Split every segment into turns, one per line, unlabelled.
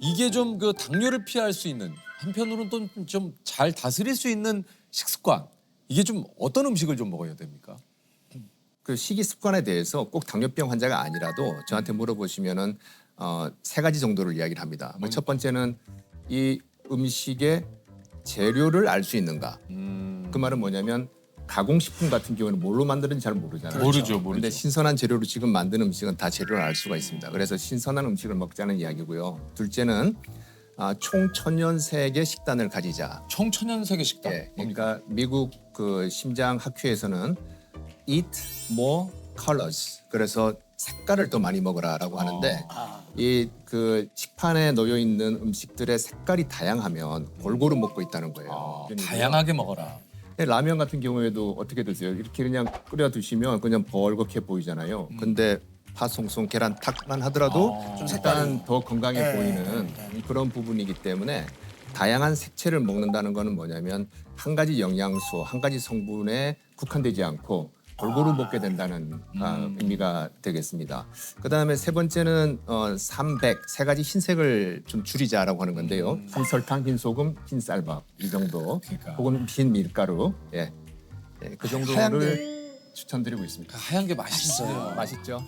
이게 좀 그 당뇨를 피할 수 있는 한편으로는 또 좀 잘 다스릴 수 있는 식습관 이게 좀 어떤 음식을 좀 먹어야 됩니까?
그 식이 습관에 대해서 꼭 당뇨병 환자가 아니라도 저한테 물어보시면은 세 가지 정도를 이야기를 합니다. 첫 번째는 이 음식의 재료를 알 수 있는가. 그 말은 뭐냐면 가공식품 같은 경우는 뭘로 만드는지 잘 모르잖아요.
모르죠.
그런데 신선한 재료로 지금 만든 음식은 다 재료를 알 수가 있습니다. 그래서 신선한 음식을 먹자는 이야기고요. 둘째는 총천연색의 식단을 가지자.
청천연세계 식단.
예, 그러니까 미국 그 심장 학회에서는 eat more colors. 그래서 색깔을 더 많이 먹어라라고 하는데 이 그 식판에 놓여 있는 음식들의 색깔이 다양하면 골고루 먹고 있다는 거예요.
다양하게 먹어라.
라면 같은 경우에도 어떻게 드세요? 이렇게 그냥 끓여 드시면 그냥 벌겋게 보이잖아요. 근데 파 송송 계란 탁만 하더라도
좀
약간 더 건강해 보이는 그런 부분이기 때문에 다양한 색채를 먹는다는 거는 뭐냐면 한 가지 영양소, 한 가지 성분에 국한되지 않고 골고루 먹게 된다는 의미가 되겠습니다. 그다음에 세 번째는 삼백, 세 가지 흰색을 좀 줄이자라고 하는 건데요. 흰설탕, 흰소금, 흰쌀밥 이 정도,
그러니까.
혹은 흰 밀가루, 예, 그 정도를
하얀
추천드리고 있습니다.
하얀 게 맛있어요.
맛있죠?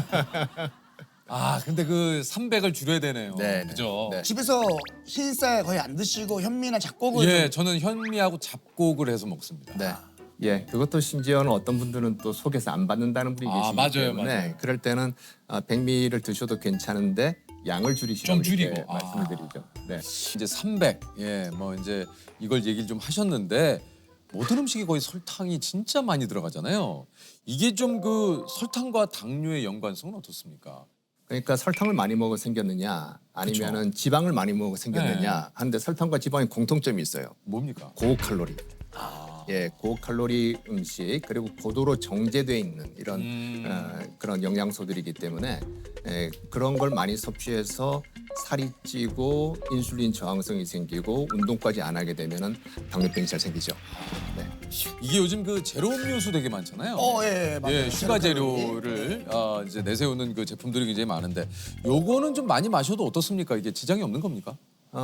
아 근데 그 300을 줄여야 되네요.
네,
그죠?
네.
집에서 흰쌀 거의 안 드시고 현미나 잡곡을
예,
좀
저는 현미하고 잡곡을 해서 먹습니다.
네. 예, 그것도 심지어는 어떤 분들은 또 속에서 안 받는다는 분이
아,
계시기
맞아요,
때문에
맞아요.
그럴 때는 백미를 드셔도 괜찮은데 양을 줄이시라고
좀
이렇게
줄이고.
말씀을 드리죠. 네.
이제 300, 예, 뭐 이제 이걸 얘기를 좀 하셨는데 모든 음식이 거의 설탕이 진짜 많이 들어가잖아요. 이게 좀 그 설탕과 당뇨의 연관성은 어떻습니까?
그러니까 설탕을 많이 먹어 생겼느냐 아니면은 지방을 많이 먹어 생겼느냐 하는데 설탕과 지방의 공통점이 있어요.
뭡니까?
고칼로리. 예, 고칼로리 음식 그리고 고도로 정제돼 있는 이런 그런 영양소들이기 때문에 그런 걸 많이 섭취해서 살이 찌고 인슐린 저항성이 생기고 운동까지 안 하게 되면은 당뇨병이 잘 생기죠. 네.
이게 요즘 그 제로 음료수 되게 많잖아요.
예, 맞아요.
예, 슈가 재료를 이제 내세우는 그 제품들이 굉장히 많은데 요거는 좀 많이 마셔도 어떻습니까? 이게 지장이 없는 겁니까?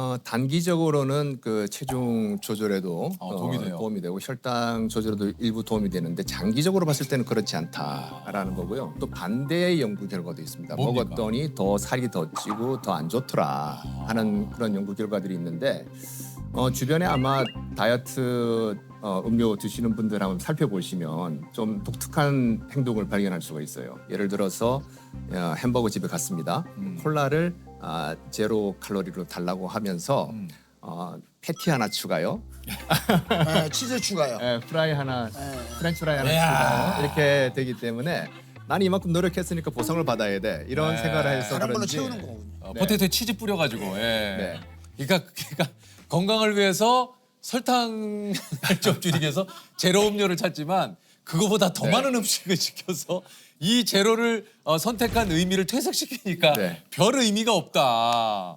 단기적으로는 그 체중 조절에도
도움이 돼요.
도움이 되고 혈당 조절에도 일부 도움이 되는데 장기적으로 봤을 때는 그렇지 않다라는 거고요. 또 반대의 연구 결과도 있습니다.
뭡니까?
먹었더니 더 살이 더 찌고 더 안 좋더라 하는 그런 연구 결과들이 있는데 주변에 아마 다이어트 음료 드시는 분들 한번 살펴보시면 좀 독특한 행동을 발견할 수가 있어요. 예를 들어서 햄버거 집에 갔습니다. 콜라를 제로 칼로리로 달라고 하면서 패티 하나 추가요.
예, 치즈 추가요.
프라이 하나, 프렌치 프라이 하나 추가요. 이렇게 되기 때문에 나는 이만큼 노력했으니까 보상을 받아야 돼. 이런 생각을 해서
다른 걸로
그런지
채우는 거군요.
포테이토에 치즈 뿌려가지고. 예.
네.
그러니까 건강을 위해서 설탕을 좀 줄이기 위해서 제로 음료를 찾지만 그거보다 더 많은 음식을 시켜서 이 제로를 선택한 의미를 퇴색시키니까
네.
별 의미가 없다.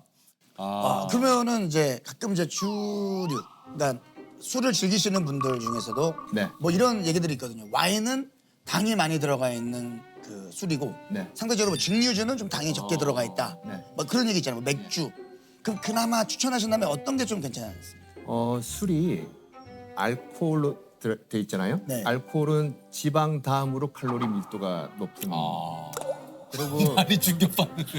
그러면은 이제 가끔 이제 주류, 그러니까 술을 즐기시는 분들 중에서도
네.
뭐 이런 얘기들이 있거든요. 와인은 당이 많이 들어가 있는 그 술이고
네.
상대적으로 뭐 증류주는 좀 당이 적게 들어가 있다.
네.
뭐 그런 얘기 있잖아요. 뭐 맥주. 그럼 그나마 추천하신다면 어떤 게 좀 괜찮습니까?
술이 알코올로 돼 있잖아요.
네.
알코올은 지방 다음으로 칼로리 밀도가 높은. 그리고
많이 충격받는데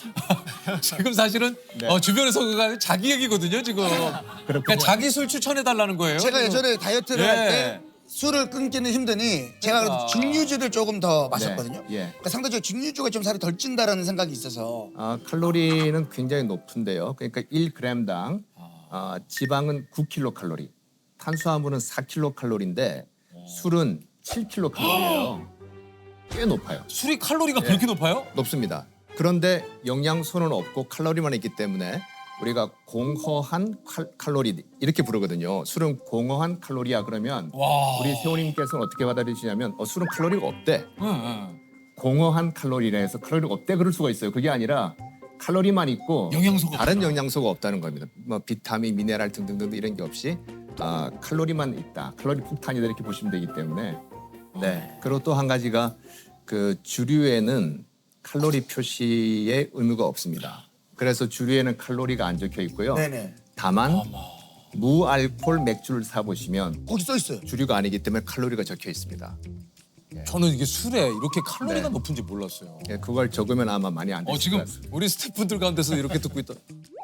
지금 사실은
네.
주변에서 그가 자기 얘기거든요 지금. 그러니까 자기 술 추천해 달라는 거예요.
제가
지금.
예전에 다이어트를
예.
할 때 술을 끊기는 힘드니 제가 그래도 증류주를 조금 더 마셨거든요.
예.
그러니까 상대적으로 증류주가 좀 살이 덜 찐다라는 생각이 있어서
칼로리는 굉장히 높은데요. 그러니까 1g당 지방은 9kcal, 탄수화물은 4kcal인데 술은 7kcal예요. 꽤 높아요.
술이 칼로리가 그렇게 높아요?
높습니다. 그런데 영양소는 없고 칼로리만 있기 때문에 우리가 공허한 칼로리 이렇게 부르거든요. 술은 공허한 칼로리야 그러면
와.
우리 세호님께서는 어떻게 받아들이시냐면 술은 칼로리가 없대.
응.
공허한 칼로리라 해서 칼로리가 없대 그럴 수가 있어요. 그게 아니라 칼로리만 있고
영양소가
다른 영양소가 없다는 겁니다. 뭐 비타민, 미네랄 등등등 이런 게 없이 칼로리만 있다. 칼로리 폭탄이다 이렇게 보시면 되기 때문에 네. 그리고 또 한 가지가 그 주류에는 칼로리 표시의 의무가 없습니다. 그래서 주류에는 칼로리가 안 적혀 있고요.
네네.
다만 무알콜 맥주를 사 보시면
거기 써 있어요.
주류가 아니기 때문에 칼로리가 적혀 있습니다.
저는 이게 술에 이렇게 칼로리가
네.
높은지 몰랐어요.
예, 그걸 적으면 아마 많이 안 드실
지금
것 같습니다.
우리 스태프분들 가운데서 이렇게 듣고 있다.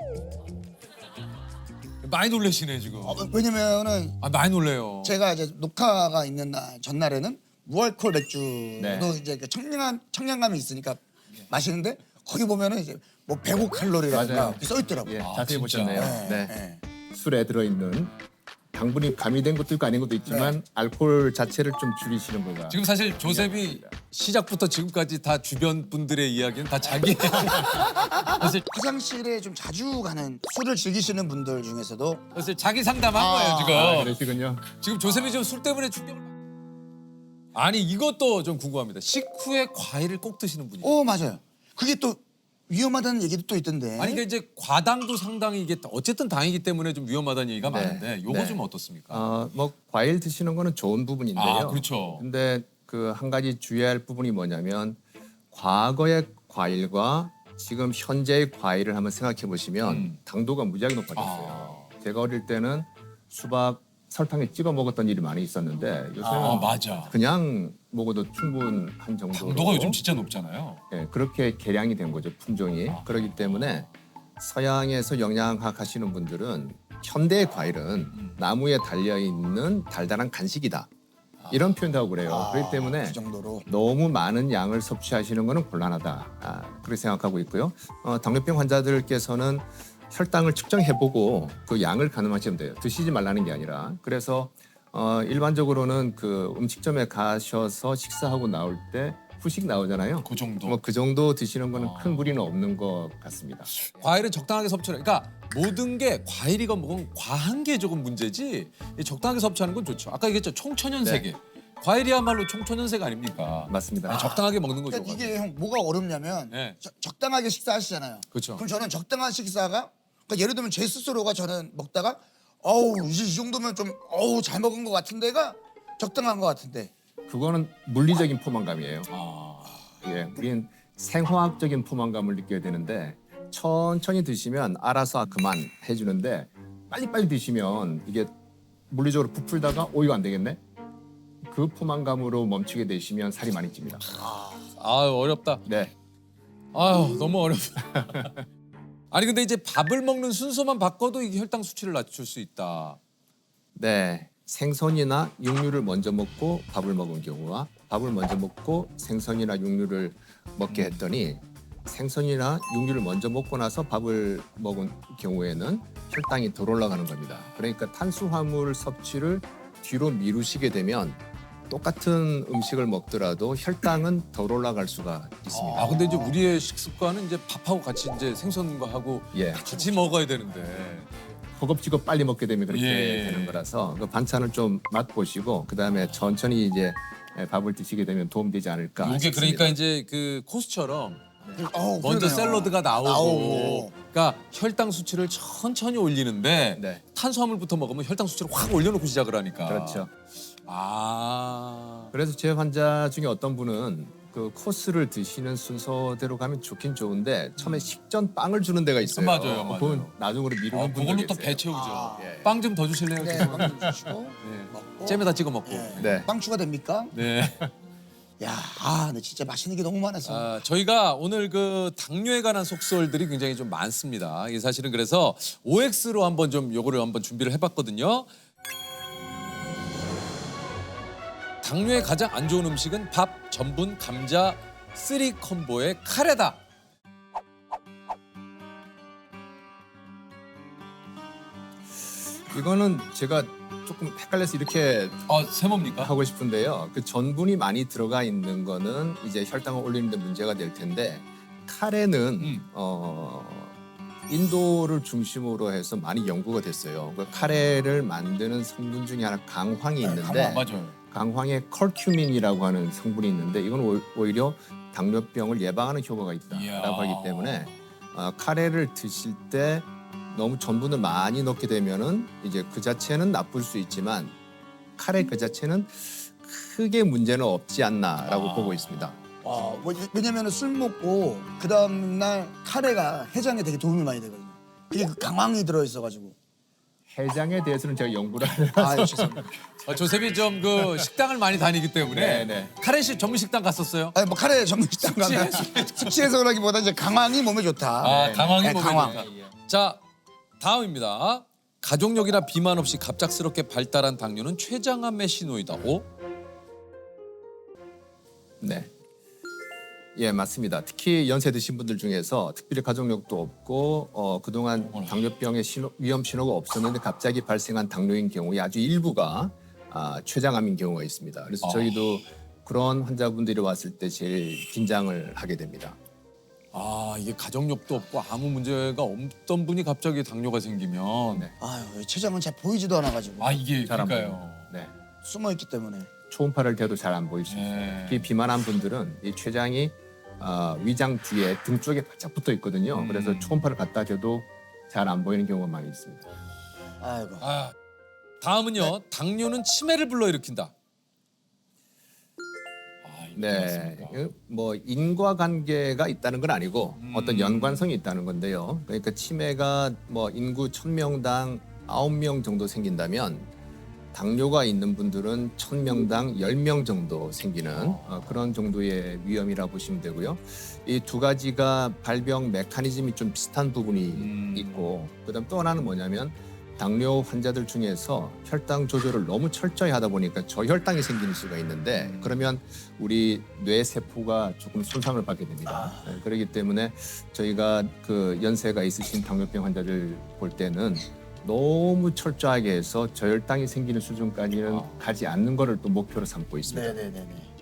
많이 놀라시네 지금.
왜냐면은
많이 놀래요.
제가 이제 녹화가 있는 날 전날에는 무알콜 맥주도
네.
이제 그 청량감이 있으니까 마시는데 거기 보면은 이제 뭐 105칼로리라든가
맞아요.
이렇게 써 있더라고요.
예,
아,
자세히
진짜?
보셨네요.
네,
네.
네.
술에 들어있는 당분이 가미된 것도 있고 아닌 것도 있지만 알코올 자체를 좀 줄이시는 거가
지금 사실 조셉이 시작부터 지금까지 다 주변 분들의 이야기는 다 자기 사실
화장실에 좀 자주 가는 술을 즐기시는 분들 중에서도
사실 자기 상담한 거예요 지금.
그러시군요.
지금 조셉이 지금 술 때문에 충격을 아니 이것도 좀 궁금합니다. 식후에 과일을 꼭 드시는 분이.
맞아요. 그게 또 위험하다는 얘기도 또 있던데.
아니 근데 이제 과당도 상당히 이게 어쨌든 당이기 때문에 좀 위험하다는 얘기가
네.
많은데 요거
네.
좀 어떻습니까?
뭐 과일 드시는 거는 좋은 부분인데요.
아, 그렇죠.
근데 그 한 가지 주의할 부분이 뭐냐면 과거의 과일과 지금 현재의 과일을 한번 생각해 보시면 당도가 무지하게 높아졌어요. 제가 어릴 때는 수박 설탕에 찍어 먹었던 일이 많이 있었는데 요새는
맞아.
그냥 먹어도 충분한 정도로
당도가 요즘 진짜 높잖아요.
예, 그렇게 개량이 된 거죠 품종이. 그렇기 때문에 서양에서 영양학 하시는 분들은 현대의 과일은 나무에 달려 있는 달달한 간식이다 이런 표현도 하고 그래요. 그렇기 때문에
그 정도로.
너무 많은 양을 섭취하시는 것은 곤란하다 그렇게 생각하고 있고요. 당뇨병 환자들께서는 혈당을 측정해보고 그 양을 가늠하시면 돼요. 드시지 말라는 게 아니라. 그래서 일반적으로는 그 음식점에 가셔서 식사하고 나올 때 후식 나오잖아요.
그 정도.
뭐 그 정도 드시는 거는 큰 무리는 없는 것 같습니다.
과일은 적당하게 섭취를. 그러니까 모든 게 과일이건 뭐건 과한 게 조금 문제지. 이 적당하게 섭취하는 건 좋죠. 아까 얘기했죠 청천연
네.
세계. 과일이야말로 청천연색 아닙니까?
맞습니다.
적당하게 먹는 거죠.
그러니까 이게 형 뭐가 어렵냐면
네.
적당하게 식사하시잖아요.
그렇죠.
그럼 저는 적당한 식사가 그러니까 예를 들면 제 스스로가 저는 먹다가 이제 이 정도면 좀 잘 먹은 것 같은데가 적당한 것 같은데.
그거는 물리적인 포만감이에요.
아,
예, 우리는 생화학적인 포만감을 느껴야 되는데 천천히 드시면 알아서 그만 해주는데 빨리빨리 드시면 이게 물리적으로 부풀다가 이거 안 되겠네? 그 포만감으로 멈추게 되시면 살이 많이 찝니다.
어렵다.
네.
아유 너무 어렵다. 아니 근데 이제 밥을 먹는 순서만 바꿔도 이게 혈당 수치를 낮출 수 있다.
네. 생선이나 육류를 먼저 먹고 밥을 먹은 경우와 밥을 먼저 먹고 생선이나 육류를 먹게 했더니 생선이나 육류를 먼저 먹고 나서 밥을 먹은 경우에는 혈당이 덜 올라가는 겁니다. 그러니까 탄수화물 섭취를 뒤로 미루시게 되면 똑같은 음식을 먹더라도 혈당은 덜 올라갈 수가 있습니다.
아 근데 이제 우리의 식습관은 이제 밥하고 같이 이제 생선과 하고
예.
같이 먹어야 되는데.
허겁지겁 빨리 먹게 되면 그렇게
예.
되는 거라서 그 반찬을 좀 맛보시고 그다음에 천천히 이제 밥을 드시게 되면 도움되지 않을까
이게
싶습니다.
그러니까 이제 그 코스처럼
그러네요.
먼저 샐러드가 나오고
나오고.
그러니까 혈당 수치를 천천히 올리는데
네.
탄수화물부터 먹으면 혈당 수치를 확 올려놓고 시작을 하니까.
그렇죠.
아.
그래서 제 환자 중에 어떤 분은 그 코스를 드시는 순서대로 가면 좋긴 좋은데 처음에 식전 빵을 주는 데가 있어요.
맞아요, 맞아요.
그건 나중으로 미루는 분들
그걸로 또
계세요.
배 채우죠.
예.
빵 좀 더 주실래요?
네,
죄송합니다.
빵좀 주시고
네.
먹고.
잼에다 찍어 먹고.
네.
빵 추가됩니까?
네.
야, 근데 진짜 맛있는 게 너무 많아서.
저희가 오늘 그 당뇨에 관한 속설들이 굉장히 좀 많습니다. 이게 사실은 그래서 OX로 한번 좀 요거를 한번 준비를 해봤거든요. 당뇨에 가장 안 좋은 음식은 밥, 전분, 감자, 쓰리 콤보의 카레다.
이거는 제가 조금 헷갈려서 이렇게
세모입니까?
하고 싶은데요. 그 전분이 많이 들어가 있는 거는 이제 혈당을 올리는 데 문제가 될 텐데 카레는 인도를 중심으로 해서 많이 연구가 됐어요. 그 카레를 만드는 성분 중에 하나 강황이 있는데
맞아요.
강황에 컬큐민이라고 하는 성분이 있는데 이건 오히려 당뇨병을 예방하는 효과가 있다라고
이야.
하기 때문에 카레를 드실 때 너무 전분을 많이 넣게 되면은 이제 그 자체는 나쁠 수 있지만 카레 그 자체는 크게 문제는 없지 않나라고 보고 있습니다.
왜냐면 술 먹고 그 다음날 카레가 해장에 되게 도움이 많이 되거든요. 그게 그 강황이 들어있어가지고.
해장에 대해서는 제가 연구를
아 죄송합니다.
조셉이 좀 그 식당을 많이 다니기 때문에
네.
카레식 전문 식당 갔었어요?
아니 뭐 카레 전문 식당 가면 숙취해서 그러기보다 이제 강황이 몸에 좋다.
아, 강황이
네,
몸에
강황.
좋다. 자, 다음입니다. 가족력이나 비만 없이 갑작스럽게 발달한 당뇨는 췌장암의 신호이다. 오?
네. 예, 맞습니다. 특히 연세 드신 분들 중에서 특별히 가족력도 없고 그동안 당뇨병의 위험 신호가 없었는데 갑자기 발생한 당뇨인 경우에 아주 일부가 췌장암인 경우가 있습니다. 그래서 저희도 그런 환자분들이 왔을 때 제일 긴장을 하게 됩니다.
아, 이게 가족력도 없고 아무 문제가 없던 분이 갑자기 당뇨가 생기면
네.
아유 췌장은 잘 보이지도 않아가지고
아, 이게
잘 안
그러니까요.
보입니다. 네.
숨어 있기 때문에.
초음파를 대도 잘 안 보일 수 있어요.
네.
특히 비만한 분들은 이 췌장이 위장 뒤에 등 쪽에 바짝 붙어 있거든요. 그래서 초음파를 갖다 대도 잘 안 보이는 경우가 많이 있습니다.
아이고.
아, 다음은요. 당뇨는 치매를 불러일으킨다. 아, 이거
네,
맞습니까?
뭐 인과관계가 있다는 건 아니고 어떤 연관성이 있다는 건데요. 그러니까 치매가 뭐 인구 1000명당 9명 정도 생긴다면 당뇨가 있는 분들은 1000명당 10명 정도 생기는 그런 정도의 위험이라고 보시면 되고요. 이 두 가지가 발병 메커니즘이 좀 비슷한 부분이 있고 그다음 또 하나는 뭐냐면 당뇨 환자들 중에서 혈당 조절을 너무 철저히 하다 보니까 저혈당이 생기는 수가 있는데 그러면 우리 뇌 세포가 조금 손상을 받게 됩니다. 네, 그렇기 때문에 저희가 그 연세가 있으신 당뇨병 환자들 볼 때는 너무 철저하게 해서 저혈당이 생기는 수준까지는 가지 않는 거를 또 목표로 삼고 있습니다.
네네네네.